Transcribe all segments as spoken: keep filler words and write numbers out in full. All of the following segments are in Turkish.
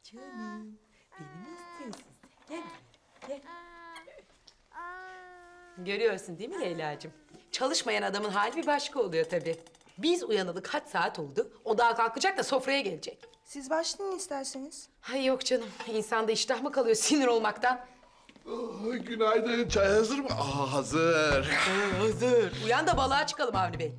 Canım, beni mi istiyorsun sen? Gel buraya, gel. Görüyorsun değil mi Leyla'cığım? Çalışmayan adamın hali bir başka oluyor tabii. Biz uyanalı kaç saat oldu? O daha kalkacak da sofraya gelecek. Siz başlayın isterseniz. Hay yok canım, insanda iştah mı kalıyor sinir olmaktan? Oh, günaydın. Çay hazır mı? Aa, hazır. Hazır. Uyan da balığa çıkalım Avni Bey.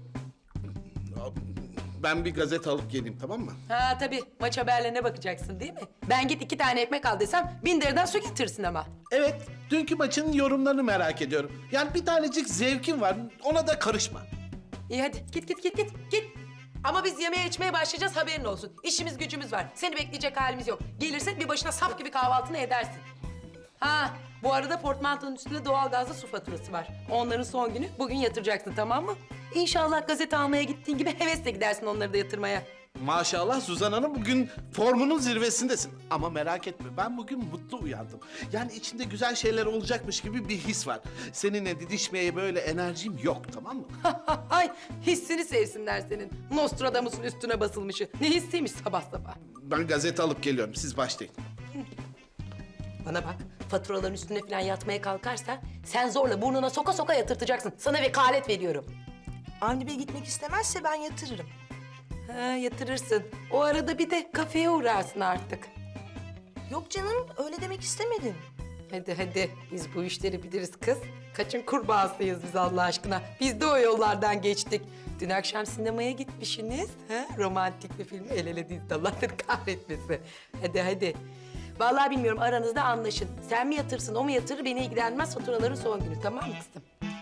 Ben bir gazete alıp geleyim, tamam mı? Ha tabii, maç haberlerine bakacaksın değil mi? Ben git iki tane ekmek al desem bin deriden su getirsin ama. Evet, dünkü maçın yorumlarını merak ediyorum. Yani bir tanecik zevkim var, ona da karışma. İyi hadi git git git git git. Ama biz yemeğe içmeye başlayacağız haberin olsun. İşimiz gücümüz var. Seni bekleyecek halimiz yok. Gelirsen bir başına sap gibi kahvaltını edersin. Ha bu arada portmantonun üstünde doğalgazlı su faturası var. Onların son günü bugün yatıracaksın tamam mı? İnşallah gazete almaya gittiğin gibi hevesle gidersin onları da yatırmaya. Maşallah Suzan Hanım, bugün formunun zirvesindesin. Ama merak etme, ben bugün mutlu uyandım. Yani içinde güzel şeyler olacakmış gibi bir his var. Seninle didişmeye böyle enerjim yok, tamam mı? Ay hissini sevsinler senin. Nostradamus'un üstüne basılmışı. Ne hissiymiş sabah sabah. Ben gazete alıp geliyorum, siz başlayın. Bana bak, faturaların üstüne falan yatmaya kalkarsa sen zorla burnuna soka soka yatırtacaksın. Sana vekalet veriyorum. Avni Bey gitmek istemezse ben yatırırım. Ha, yatırırsın. O arada bir de kafeye uğrarsın artık. Yok canım, öyle demek istemedim. Hadi hadi, biz bu işleri biliriz kız. Kaçın kurbağasıyız biz Allah aşkına. Biz de o yollardan geçtik. Dün akşam sinemaya gitmişsiniz. Ha? Romantik bir film el ele dizdi. Allah seni kahretmesin. Hadi hadi. Vallahi bilmiyorum, aranızda anlaşın. Sen mi yatırsın, o mu yatırır beni ilgilenmez, faturaların son günü. Tamam mı kızım?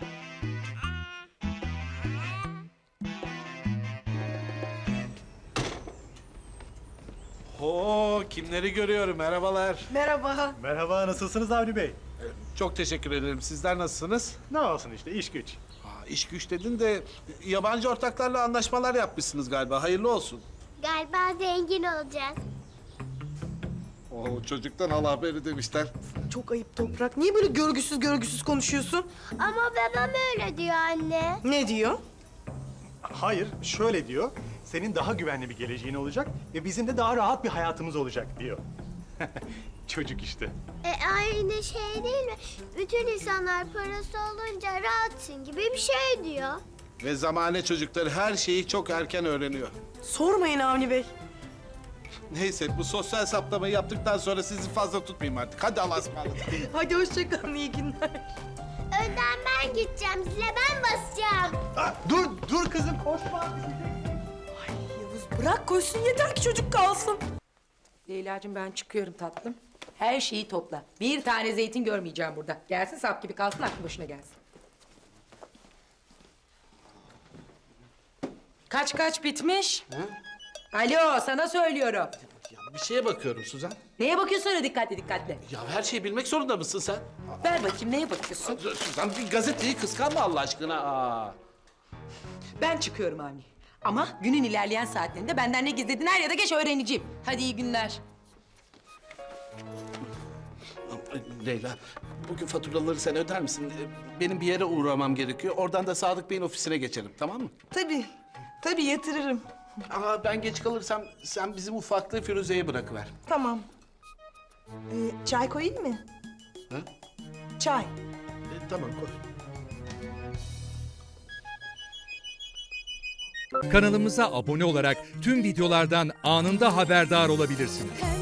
Oo, kimleri görüyorum, merhabalar. Merhaba. Merhaba, nasılsınız Avni Bey? Çok teşekkür ederim, sizler nasılsınız? Ne olsun işte, iş güç. Aa, iş güç dedin de yabancı ortaklarla anlaşmalar yapmışsınız galiba, hayırlı olsun. Galiba zengin olacağız. Oo, çocuktan al haberi demişler. Çok ayıp Toprak. Niye böyle görgüsüz görgüsüz konuşuyorsun? Ama babam öyle diyor anne. Ne diyor? Hayır, şöyle diyor. Senin daha güvenli bir geleceğin olacak ve bizim de daha rahat bir hayatımız olacak diyor. Çocuk işte. E aynı şey değil mi? Bütün insanlar parası olunca rahatsın gibi bir şey diyor. Ve zamane çocukları her şeyi çok erken öğreniyor. Sormayın Avni Bey. Neyse, bu sosyal saptamayı yaptıktan sonra sizi fazla tutmayayım artık. Hadi Allah'a ısmarladık. Hadi hoşça kalın, iyi günler. Önden ben gideceğim, zile ben basacağım. Aa, dur, dur kızım, koşma. Yavuz bırak koşsun, yeter ki çocuk kalsın. Leyla'cığım ben çıkıyorum tatlım. Her şeyi topla. Bir tane zeytin görmeyeceğim burada. Gelsin sap gibi kalsın, aklı başına gelsin. Kaç kaç bitmiş? Alo, sana söylüyorum. Ya bir şeye bakıyorum Suzan. Neye bakıyorsun öyle dikkatli dikkatli? Ya her şeyi bilmek zorunda mısın sen? Ver bakayım, neye bakıyorsun? Suzan, bir gazeteyi kıskanma Allah aşkına. Aa. Ben çıkıyorum Avni. Ama günün ilerleyen saatlerinde benden ne gizledin er ya da geç öğreneceğim. Hadi iyi günler. Leyla, bugün faturaları sen öder misin? Benim bir yere uğramam gerekiyor. Oradan da Sadık Bey'in ofisine geçelim, tamam mı? Tabii, tabii yatırırım. Aa, ben geç kalırsam sen bizim ufaklığı Firuze'ye bırakıver. Tamam. Ee, çay koyayım mı? Ha? Çay. E, tamam, koy. Kanalımıza abone olarak tüm videolardan anında haberdar olabilirsiniz.